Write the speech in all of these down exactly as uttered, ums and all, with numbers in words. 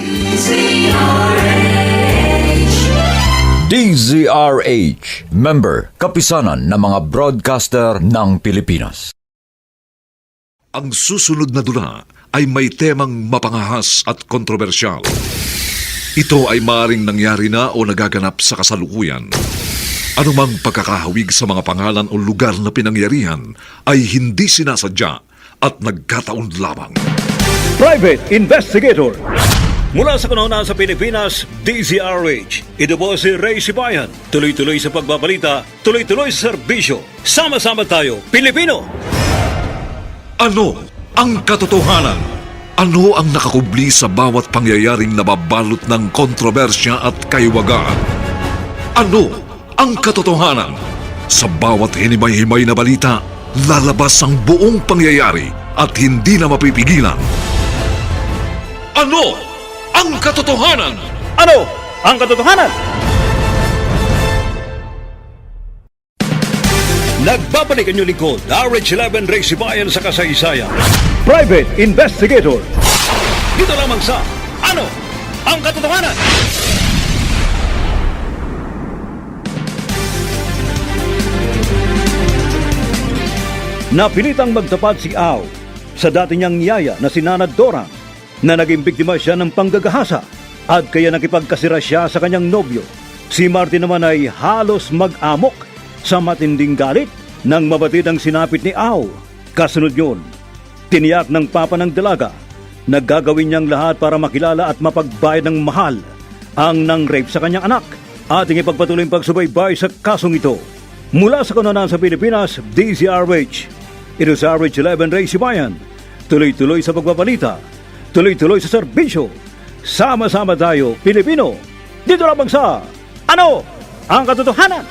D Z R H, member, kapisanan ng mga broadcaster ng Pilipinas. Ang susunod na dula ay may temang mapangahas at kontrobersyal. Ito ay maaaring nangyari na o nagaganap sa kasalukuyan. Anumang pagkakahawig sa mga pangalan o lugar na pinangyarihan ay hindi sinasadya at nagkataon lamang. Private Investigator. Mula sa kanuna sa Pilipinas, D Z R H. Ito po si Ray Sibayan. Tuloy-tuloy sa pagbabalita, tuloy-tuloy sa serbisyo. Sama-sama tayo, Pilipino! Ano ang katotohanan? Ano ang nakakubli sa bawat pangyayaring nababalot ng kontrobersya at kaiwagaan? Ano ang katotohanan? Sa bawat hinimay-himay na balita, lalabas ang buong pangyayari at hindi na mapipigilan. Ano ang katotohanan? Ano ang katotohanan? Nagbabalik ang inyong lingkod, R H eleven Ray Sibayan sa kasaysayan. Private Investigator. Dito lamang sa Ano ang katotohanan? Napilitang magtapat si Ao sa dati niyang niyaya na si Nana Dora na naging biktima siya ng panggagahasa at kaya nakipagkasira siya sa kanyang nobyo. Si Martin naman ay halos mag-amok sa matinding galit nang mabatid ang sinapit ni Ao. Kasunod yun, tiniyak ng papa ng dalaga na gagawin niyang lahat para makilala at mapagbayad ng mahal ang nang-rape sa kanyang anak. Ating ipagpatuloy ang pagsubaybay sa kasong ito. Mula sa kanunan sa Pilipinas, D Z R H. Ito sa R H eleven Ray Sibayan. Tuloy-tuloy sa pagbabalita, tuloy-tuloy sa serbisyo. Sama-sama tayo, Pilipino. Dito lamang sa Ano ang katotohanan?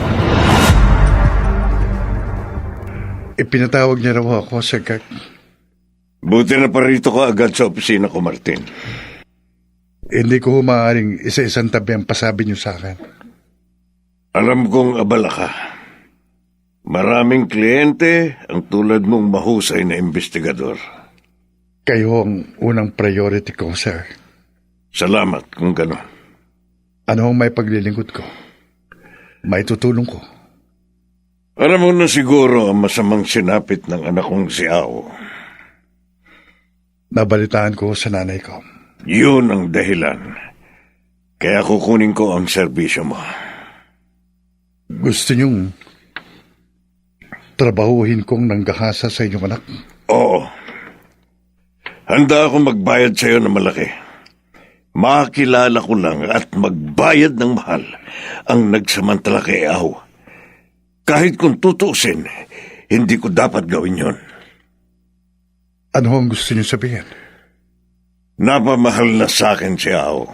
Ipinatawag niya raw ako, Sir Kirk. Buti na parito ka agad sa opisina ko, Martin. Hindi ko maaaring isa-isang tabi ang pasabi niyo sa akin. Alam kong abala ka. Maraming kliyente ang tulad mong mahusay na investigador. Kayo ang unang priority ko, Sir. Salamat kung gano'n. Ano ang may paglilingkod ko? May tutulong ko. Alam mo na siguro ang masamang sinapit ng anak kong si Ao. Nabalitaan ko sa nanay ko. Yun ang dahilan. Kaya kukunin ko ang serbisyo mo. Gusto niyong trabahuhin kong nanggahasa sa inyong anak? Oo. Handa akong magbayad sa iyo ng malaki. Makilala ko lang at magbayad ng mahal ang nagsamantala kay Ao. Kahit kung tutuusin, hindi ko dapat gawin yon. Ano ang gusto niyo sabihin? Napamahal na sa akin si Ao.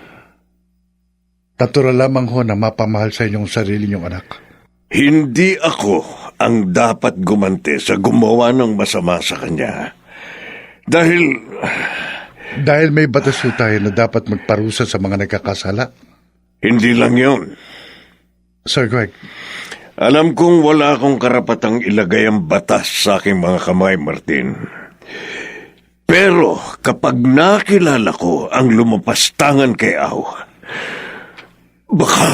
Natural lamang ho na mapamahal sa inyong sarili niyong anak. Hindi ako ang dapat gumanti sa gumawa ng masama sa kanya. Dahil... Dahil may batas ho tayo na dapat magparusa sa mga nagkakasala. Hindi lang yon. Sir Greg. Alam kong wala akong karapatang ilagay ang batas sa aking mga kamay, Martin. Pero kapag nakilala ko ang lumapastangan kay Ao, baka...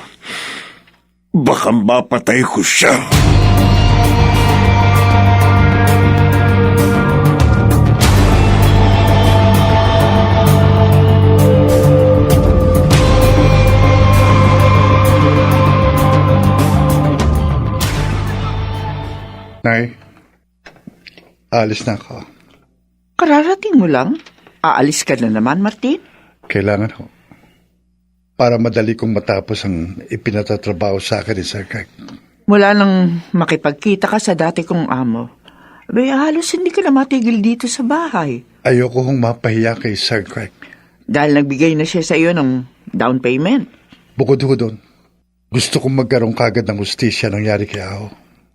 baka mapatay ko siya. Nay, alis na ako. Kararating mo lang? Aalis ka na naman, Martin? Kailangan ho. Para madali kong matapos ang ipinatatrabaho sa akin ni Sir Kirk. Mula nang makipagkita ka sa dati kong amo, abay halos hindi ka na matigil dito sa bahay. Ayoko hong mapahiya kay Sir Kirk. Dahil nagbigay na siya sa iyo ng down payment. Bukod ho doon, gusto kong magkaroon kagad ng hustisya nangyari kay Ao.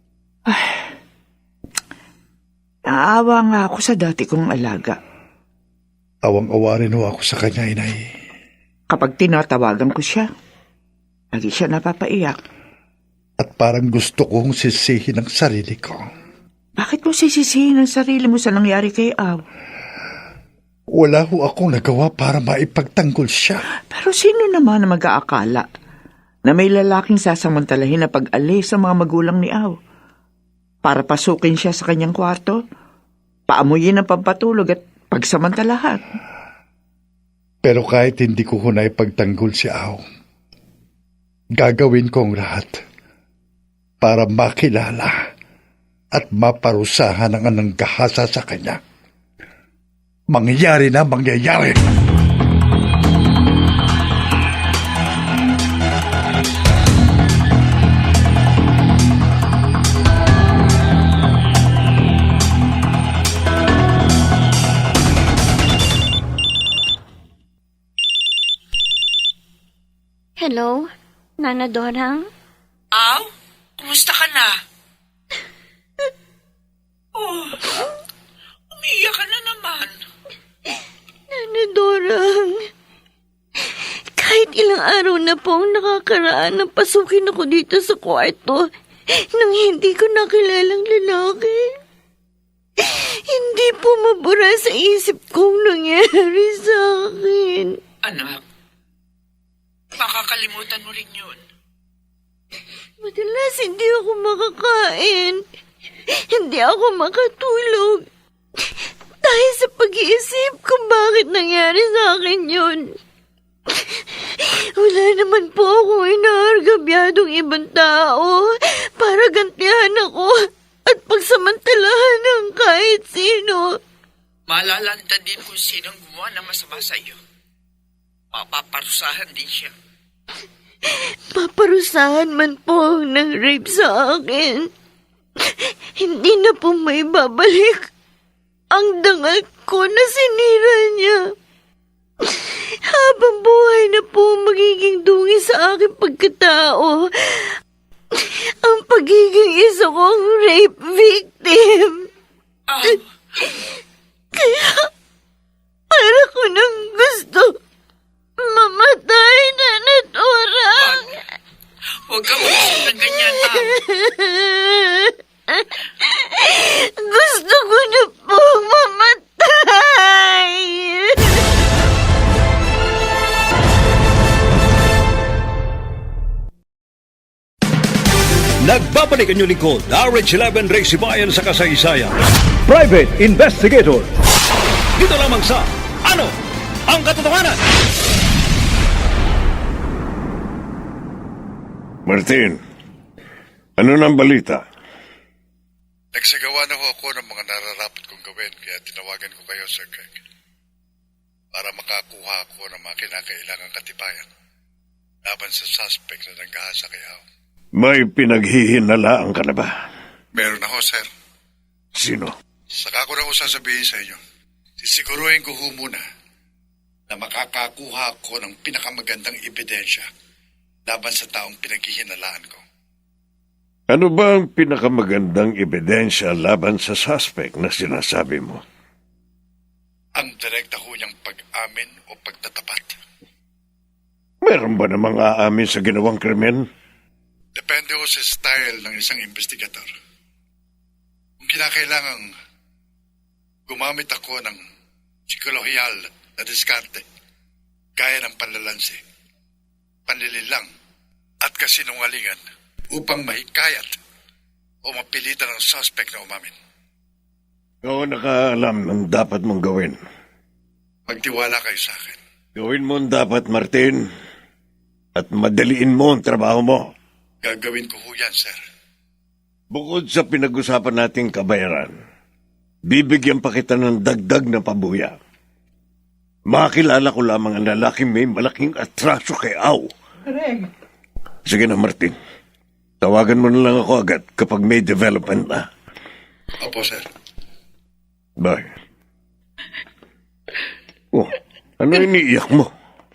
Naawa nga ako sa dati kong alaga. Awang-awa rin ho ako sa kanya, inay. Kapag tinatawagan ko siya, lagi siya napapaiyak. At parang gusto kong sisihin ang sarili ko. Bakit mo sisisihin ang sarili mo sa nangyari kay Ao? Wala ho akong nagawa para maipagtanggol siya. Pero sino naman na mag-aakala na may lalaking sasamantalahin na pag-alis sa mga magulang ni Aw para pasukin siya sa kanyang kwarto, paamuyin ang pampatulog at pagsamantalahan? Pero kahit hindi ko ho naipagtanggol si Aw, gagawin ko ang lahat para makilala at maparusahan ang anang gahasa sa kanya. Mangyayari na mangyayari. Hello, Nana Dorang? Aw, kumusta ka na? Oh, umiiyak ka na naman. Nana Dorang, kahit ilang araw na pong nakakaraan nang pasukin ako dito sa kwarto nang hindi ko nakilalang lalaki. Hindi po mabura sa isip kong nangyari sa akin. Anak, makakalimutan mo rin yun. Madalas hindi ako makakain. Hindi ako makatulog. Dahil sa pag-iisip kung bakit nangyari sa akin yun. Wala naman po akong inaargabyadong ibang tao para gantihan ako at pagsamantalahan ng kahit sino. Malalanta din kung sinong gumawa ng masama sa iyo. Papaparusahan din siya. Paparusahan man po ang nang-rape sa akin. Hindi na po may babalik ang dangal ko na sinira niya. Habang buhay na po magiging dungi sa aking pagkatao ang pagiging isa kong rape victim. Ah, Kaya para ko nang gusto mamatay na naturang. huwag ka mag-isip ng ganyan, Aw. Gusto ko na po mamatay. Nagbabalik ang inyong lingkod, R H eleven Ray Sibayan sa kasaysayan. Private Investigator. Dito lamang sa Ano ang Katotohanan? Martin, ano nang balita? Nagsagawa na ho ako ng mga nararapat kong gawin, kaya tinawagan ko kayo, Sir Greg, para makakuha ako ng mga kinakailangang katibayan laban sa suspect na nanggahasa kay Aw. May pinaghihinalaan ka na ba? Meron na ho, Sir. Sino? Saka ko na ho sasabihin sa inyo. Sisiguruhin ko ho muna na makakakuha ako ng pinakamagandang ebidensya laban sa taong pinaghihinalaan ko. Ano ba ang pinakamagandang ebidensya laban sa suspect na sinasabi mo? Ang direkta ho niyang pag-amin o pagtatapat. Meron ba namang aamin sa ginawang krimen? Depende ho sa style ng isang investigator. Kung kinakailangang gumamit ako ng psikolohiyal na diskarte, gaya ng panlalansi, panlililang, at kasinungalingan upang mahikayat o mapilitan ng suspect na umamin. Ikaw ang nakaalam ng dapat mong gawin. Magtiwala kayo sa akin. Gawin mo ang dapat, Martin, at madaliin mo ang trabaho mo. Gagawin ko ho yan, sir. Bukod sa pinag-usapan nating kabayaran, bibigyan pa kita ng dagdag na pabuya. Makilala ko lamang ang lalaking may malaking atraso kay Aw. Greg. Sige na, Martin. Tawagan mo na lang ako agad kapag may development na. Opo, sir. Bye. Oh, ano iniiyak mo?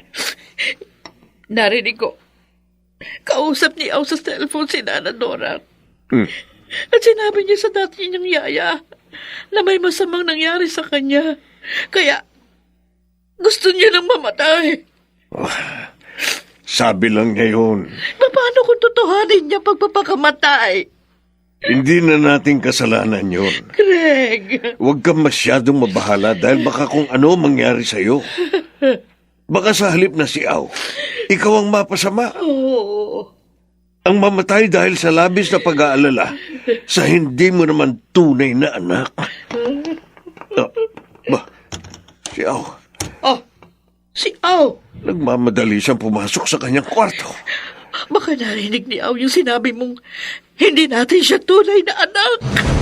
Narinig ko. Kausap ni Aw sa cellphone si Nana Dora. Hmm. At sinabi niya sa dati niyang yaya na may masamang nangyari sa kanya. Kaya gusto niya nang mamatay. Oh, sabi lang niya yun. Paano kung totohanin niya pagpapakamatay? Hindi na nating kasalanan yon. Greg! Huwag kang masyadong mabahala dahil baka kung ano mangyari sa'yo. Baka sa halip na si Au, ikaw ang mapasama. Oo. Ang mamatay dahil sa labis na pag-aalala sa hindi mo naman tunay na anak. Ah, ba, si Au, Oh, si Au! nagmamadali siyang pumasok sa kanyang kwarto. Baka narinig ni Au yung sinabi mong hindi natin siya tunay na anak.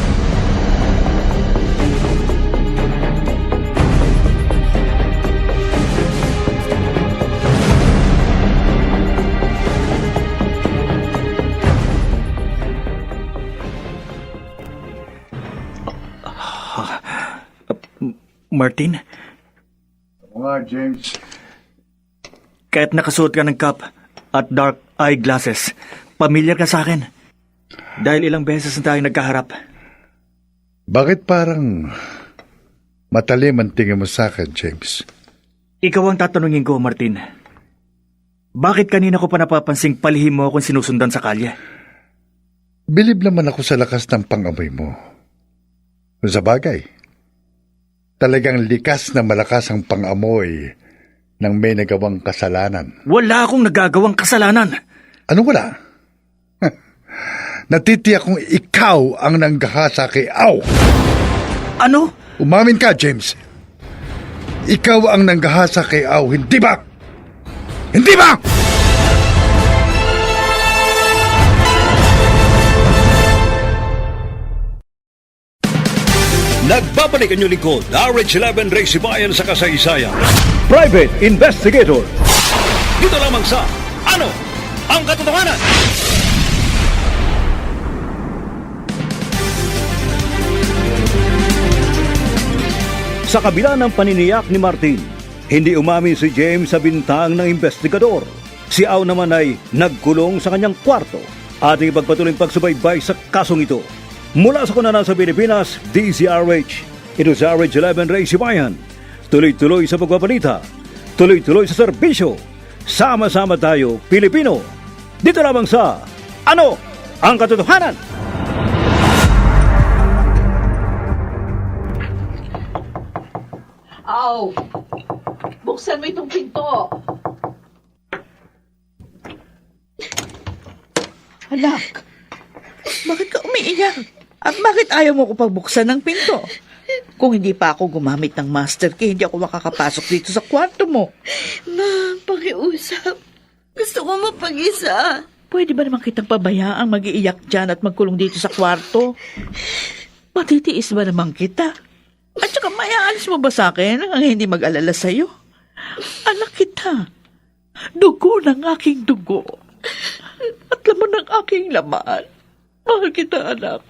Martin, Nga, James. kahit nakasuot ka ng cap at dark eyeglasses, pamilyar ka sa akin. Dahil ilang beses na tayo nagkaharap. Bakit parang matalim ang tingin mo sa akin, James? Ikaw ang tatanungin ko, Martin. Bakit kanina ko pa napapansing palihim mo akong sinusundan sa kalye? Bilib naman ako sa lakas ng pangamoy mo. Kung sa bagay, talagang likas na malakas ang pangamoy ng may nagawang kasalanan. Wala akong nagagawang kasalanan. Ano wala? Natitiyak kong ikaw ang nanggahasa kay Au. Ano? Umamin ka, James. Ikaw ang nanggahasa kay Au, hindi ba? Hindi ba? Nagbabalik ang inyong lingkod, R H eleven Ray Sibayan sa kasaysayan. Private Investigator. Dito lamang sa Ano ang Katotohanan? Sa kabila ng paniniyak ni Martin, hindi umamin si James sa bintang ng investigador. Si Au naman ay nagkulong sa kanyang kwarto. Ating ipagpatuloy ang pagsubaybay sa kasong ito. Mula sa kunanan sa Pilipinas, D Z R H. Ito sa R H eleven Ray Sibayan. Tuloy-tuloy sa pagbabalita. Tuloy-tuloy sa serbisyo. Sama-sama tayo, Pilipino. Dito lamang sa Ano ang Katotohanan? Au! Buksan mo itong pinto. Anak, bakit ka umiiyak? At bakit ayaw mo ko pagbuksan ng pinto? Kung hindi pa ako gumamit ng master key, hindi ako makakapasok dito sa kwarto mo. Ma, pakiusap. Gusto ko mapag-isa. Pwede ba naman kitang pabayaang mag-iiyak dyan at magkulong dito sa kwarto? Matitiis ba naman kita? At saka mayaalis mo ba sa akin ang hindi mag-alala sa'yo? Anak kita. Dugo ng aking dugo. At laman ng aking laman. Mahal kita, anak.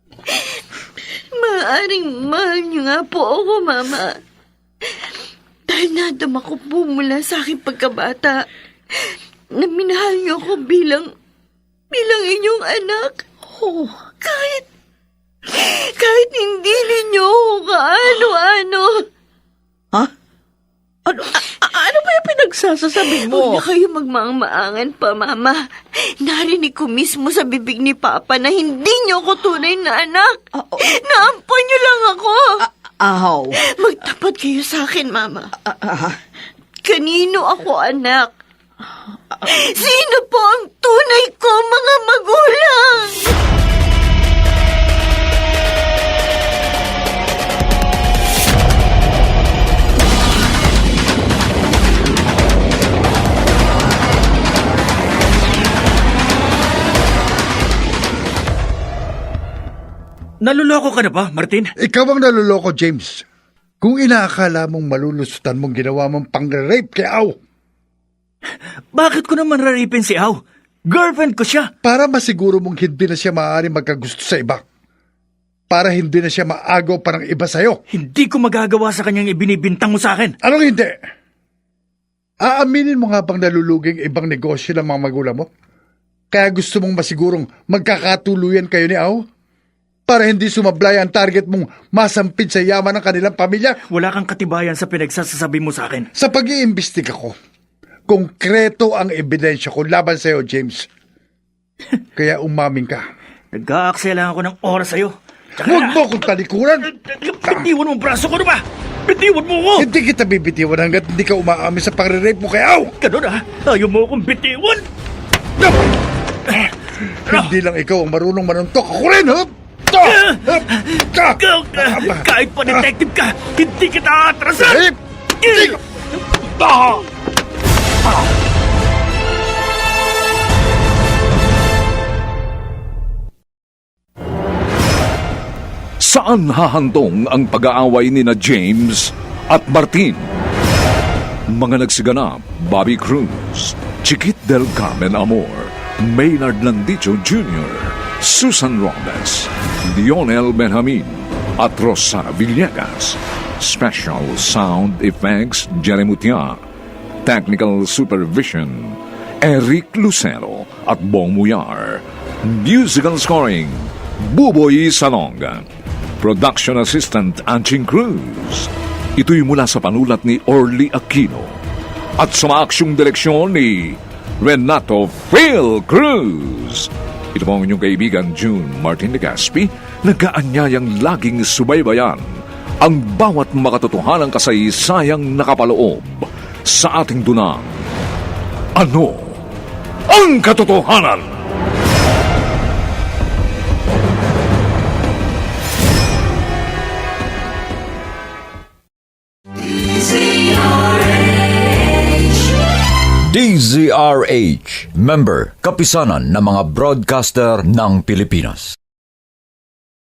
Maaring mahal niyo nga po ako, Mama. Dahil nadama ko po mula sa aking pagkabata na minahal niyo ako bilang, bilang inyong anak. Oh, Kahit, kahit hindi ninyo ako kaano-ano. ha? Ano, a- a- ano ba yung pinagsasasabi Huwag mo? na kayo magmaang-maangan pa, Mama. Narinig ko mismo sa bibig ni Papa na hindi niyo ako tunay na anak. Ah, oh. Naampon niyo lang ako. Aw. Magtapat kayo sa akin, Mama. Ah, ah, Kanino ako anak? Sino po ang tunay ko mga magulang? Naluloko ka na ba, Martin? Ikaw ang naluloko, James. Kung inaakala mong malulusutan mong ginawa mong pang-rape kay Au, Bakit ko naman raripin si Au? Girlfriend ko siya. para masiguro mong hindi na siya maaari magkagusto sa iba. Para hindi na siya maagaw parang iba sa'yo. Hindi ko magagawa sa kanyang ibinibintang mo sa akin. Anong hindi? Aaminin mo nga bang naluluging ibang negosyo ng mga magulang mo? Kaya gusto mong masigurong magkakatuluyan kayo ni Au? Para hindi sumablay ang target mong masampid sa yaman ng kanilang pamilya? Wala kang katibayan sa pinagsasasabi mo sa akin. Sa pag-iimbestiga ko, konkreto ang ebidensya ko laban sa'yo, James. Kaya umamin ka. Nag-aaksaya lang ako ng oras sa'yo. Tsaka Huwag na- mo akong talikuran! Bitiwan mo ang braso ko, ano ba? Bitiwan mo ko! Hindi kita bibitiwan hanggat hindi ka umaamin sa pagre-rape mo kay Au! Ganun ah, ayaw mo akong bitiwan! Hindi lang ikaw ang marunong manuntok. Ako rin, ha? Kahit pa detective ka, hindi kita atrasan! Eh, hindi- Saan hahantong ang pag-aaway ni na James at Martin? Mga nagsiganap, Bobby Cruz, Chiquit del Carmen Amor, Maynard Landicho Junior, Susan Robles, Lionel Benjamin, at Rosana Villegas. Special Sound Effects, Jerry Mutia. Technical Supervision, Eric Lucero at Bong Muyar. Musical Scoring, Buboy Salonga. Production Assistant, Anching Cruz. Ito'y mula sa panulat ni Orly Aquino at sa maaksyong direksyon ni Renato Phil Cruz. Ito po ang inyong kaibigan June Martin Legaspi, nag-aanyayang laging subaybayan ang bawat makatotohanang kasaysayang nakapaloob sa ating dunang. Ano ang katotohanan? D Z R H, member, kapisanan ng mga broadcaster ng Pilipinas.